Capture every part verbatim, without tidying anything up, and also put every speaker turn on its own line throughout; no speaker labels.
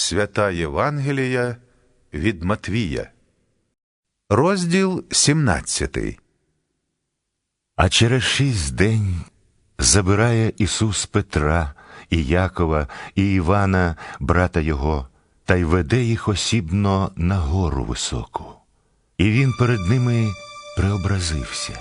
Свята Євангелія від Матвія. Розділ сімнадцятий.
А через шість день забирає Ісус Петра і Якова і Івана, брата його, та й веде їх осібно на гору високу. І він перед ними преобразився.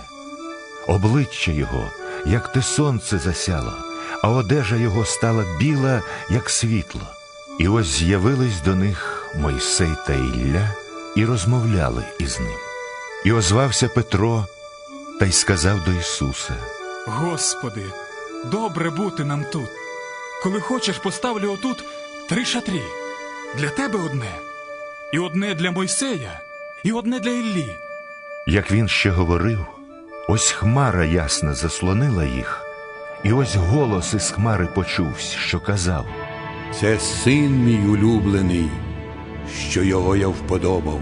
Обличчя його, як те сонце засяло, а одежа його стала біла, як світло. І ось з'явились до них Мойсей та Ілля і розмовляли із ним. І озвався Петро та й сказав до Ісуса:
Господи, добре бути нам тут. Коли хочеш, поставлю отут три шатрі. Для тебе одне, і одне для Мойсея, і одне для Іллі.
Як він ще говорив, ось хмара ясна заслонила їх, і ось голос із хмари почувся, що казав:
«Це син мій улюблений, що його я вподобав,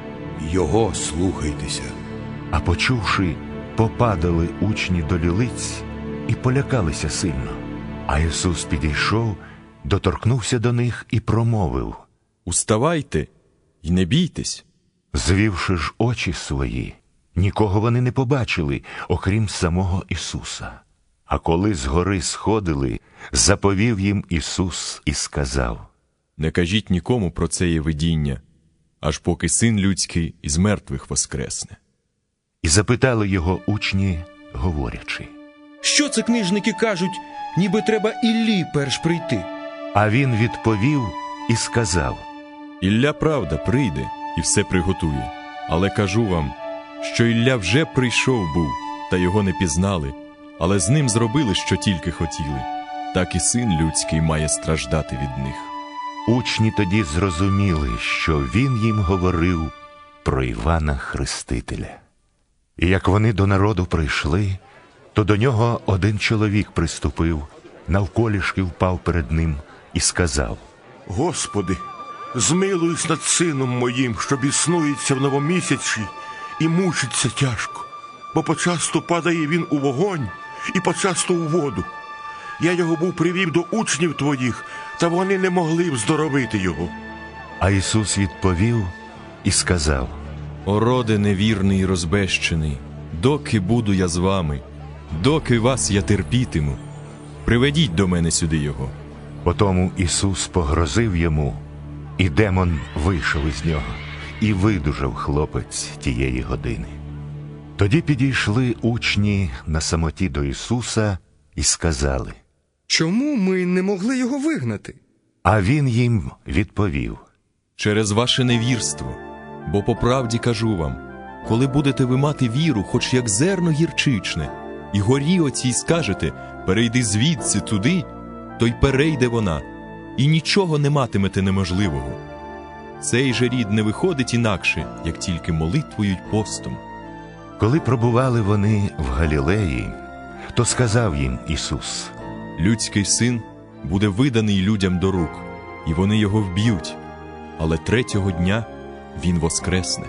його слухайтеся».
А почувши, попадали учні до лілиць і полякалися сильно. А Ісус підійшов, доторкнувся до них і промовив:
«Уставайте і не бійтесь».
Звівши ж очі свої, нікого вони не побачили, окрім самого Ісуса. А коли з гори сходили, заповів їм Ісус і сказав:
«Не кажіть нікому про це є видіння, аж поки Син людський із мертвих воскресне».
І запитали його учні, говорячи:
«Що це книжники кажуть, ніби треба Іллі перш прийти?»
А він відповів і сказав:
«Ілля, правда, прийде і все приготує. Але кажу вам, що Ілля вже прийшов був, та його не пізнали, але з ним зробили, що тільки хотіли. Так і Син людський має страждати від них».
Учні тоді зрозуміли, що він їм говорив про Івана Хрестителя. І як вони до народу прийшли, то до нього один чоловік приступив, навколішки впав перед ним і сказав:
«Господи, змилуйся над сином моїм, що біснується в новомісячі і мучиться тяжко, бо почасту падає він у вогонь і почасту у воду. Я його був привів до учнів твоїх, та вони не могли вздоровити його».
А Ісус відповів і сказав:
«О роде невірний і розбещений, доки буду я з вами, доки вас я терпітиму, приведіть до мене сюди його».
Потому Ісус погрозив йому, і демон вийшов із нього, і видужав хлопець тієї години. Тоді підійшли учні на самоті до Ісуса і сказали:
«Чому ми не могли його вигнати?»
А він їм відповів:
«Через ваше невірство. Бо по правді кажу вам, коли будете ви мати віру, хоч як зерно гірчичне, і горі оцій скажете: перейди звідси туди, то й перейде вона, і нічого не матимете неможливого. Цей же рід не виходить інакше, як тільки молитвою й постом».
Коли пробували вони в Галілеї, то сказав їм Ісус:
«Людський син буде виданий людям до рук, і вони його вб'ють, але третього дня він воскресне».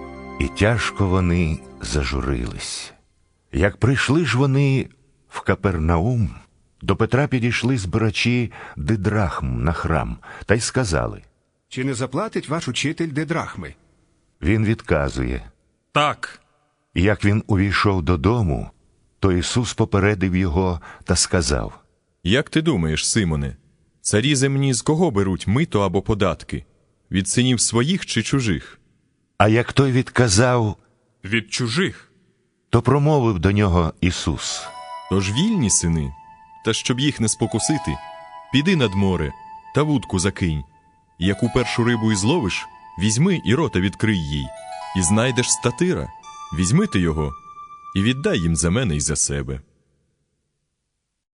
І тяжко вони зажурились. Як прийшли ж вони в Капернаум, до Петра підійшли збирачі дидрахм на храм, та й сказали:
«Чи не заплатить ваш учитель дидрахми?»
Він відказує:
Так.
І як він увійшов додому, то Ісус попередив його та сказав:
«Як ти думаєш, Симоне, царі земні з кого беруть мито або податки? Від синів своїх чи чужих?»
А як той відказав:
Від чужих.
то промовив до нього Ісус:
«Тож вільні сини, та щоб їх не спокусити, піди над море та вудку закинь, і яку першу рибу й зловиш, візьми і рота відкрий їй, і знайдеш статира, візьми ти його і віддай їм за мене й за себе».